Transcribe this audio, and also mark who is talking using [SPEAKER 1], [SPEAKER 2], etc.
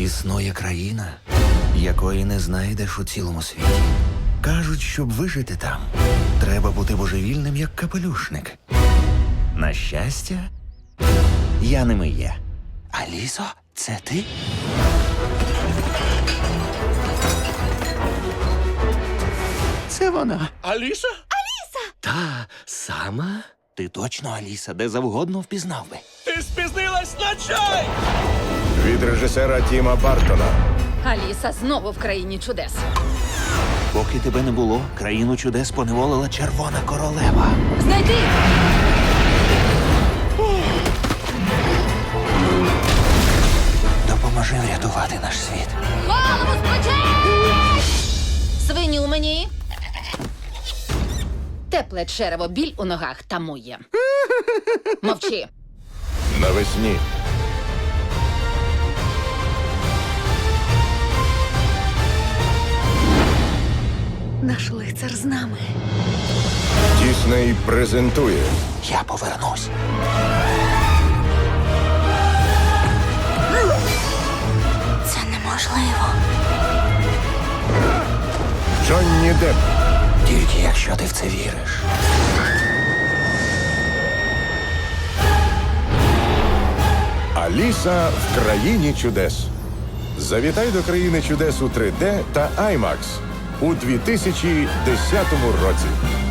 [SPEAKER 1] Існує країна, якої не знайдеш у цілому світі. Кажуть, щоб вижити там, треба бути божевільним, як капелюшник. На щастя, я ними є. Алісо, це ти? Це вона.
[SPEAKER 2] Аліса?
[SPEAKER 1] Та сама? Ти точно Аліса, де завгодно впізнав би.
[SPEAKER 2] Ти спізнилась на чай!
[SPEAKER 3] Від режисера Тіма Бартона.
[SPEAKER 4] Аліса знову в країні чудес.
[SPEAKER 1] Поки тебе не було, країну чудес поневолила червона королева.
[SPEAKER 4] Знайди!
[SPEAKER 1] Допоможи врятувати наш світ.
[SPEAKER 4] Голову спочи! Свині у мені. Тепле черево, біль у ногах тамує. Мовчи.
[SPEAKER 3] Навесні.
[SPEAKER 4] Наш лицар з нами.
[SPEAKER 3] Дісней презентує
[SPEAKER 1] Я повернусь.
[SPEAKER 4] Це неможливо.
[SPEAKER 3] Джонні Депп.
[SPEAKER 1] Тільки якщо ти в це віриш.
[SPEAKER 3] Аліса в країні чудес. Завітай до країни чудес у 3D та IMAX у 2010 році.